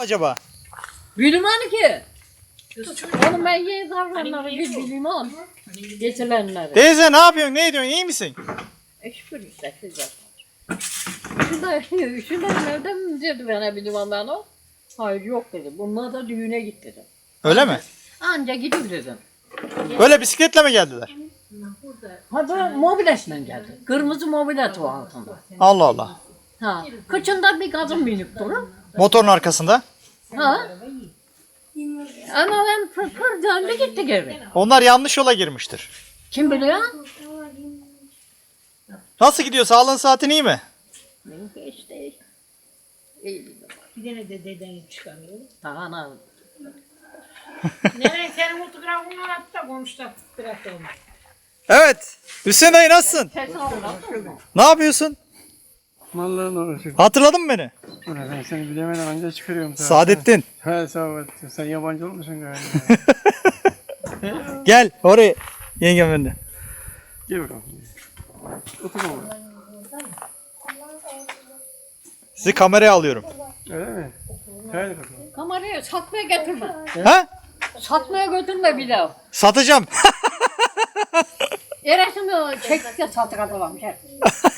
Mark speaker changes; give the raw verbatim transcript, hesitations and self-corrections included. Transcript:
Speaker 1: acaba?
Speaker 2: Bilmem ki. Onu ben yeni davranları bir bilmem. Geçilenleri.
Speaker 1: Teyze ne yapıyorsun? Ne ediyorsun? İyi misin?
Speaker 2: E şükür işte güzel. Şurada, şurada nereden mi dedi bana bilmem ben o? Hayır yok dedi. Bunlar da düğüne git dedim.
Speaker 1: Öyle mi?
Speaker 2: Anca gidip dedim.
Speaker 1: Böyle bisikletle mi geldiler?
Speaker 2: Ha bu mobiletle geldi. Kırmızı mobilet o altında.
Speaker 1: Allah Allah.
Speaker 2: Ha. Kıçında bir kadın binip durur.
Speaker 1: Motorun arkasında.
Speaker 2: Ha. Ama ben pır pır döndü gitti geri.
Speaker 1: Onlar yanlış yola girmiştir.
Speaker 2: Kim biliyor?
Speaker 1: Nasıl gidiyor? Sağlığın saatin iyi mi?
Speaker 2: İşte. İyi.
Speaker 3: Bir tane de dedeni çıkarıyor.
Speaker 2: Daha ne?
Speaker 3: Nereye senin fotoğrafını attı da konuştu. Bırak onu.
Speaker 1: Evet. Hüseyin dayı nasılsın?
Speaker 2: Ses almadın mı?
Speaker 1: Ne yapıyorsun?
Speaker 4: Mallarla uğraşıyorum.
Speaker 1: Hatırladın mı beni?
Speaker 4: Ulan ben seni bilemeden anca çıkarıyorum. sana.
Speaker 1: Saadettin.
Speaker 4: He Saadettin. Sen yabancı olmuşsun galiba.
Speaker 1: Gel oraya. Yengem önüne.
Speaker 4: Gel bakalım. Otur bakalım.
Speaker 1: Sizi kameraya alıyorum.
Speaker 4: Öyle mi? Hadi bakalım.
Speaker 2: Kamerayı satmaya getirme.
Speaker 1: Ha?
Speaker 2: Satmaya götürme bir daha.
Speaker 1: Satacağım.
Speaker 2: Eresimi çektik de sattık adamım.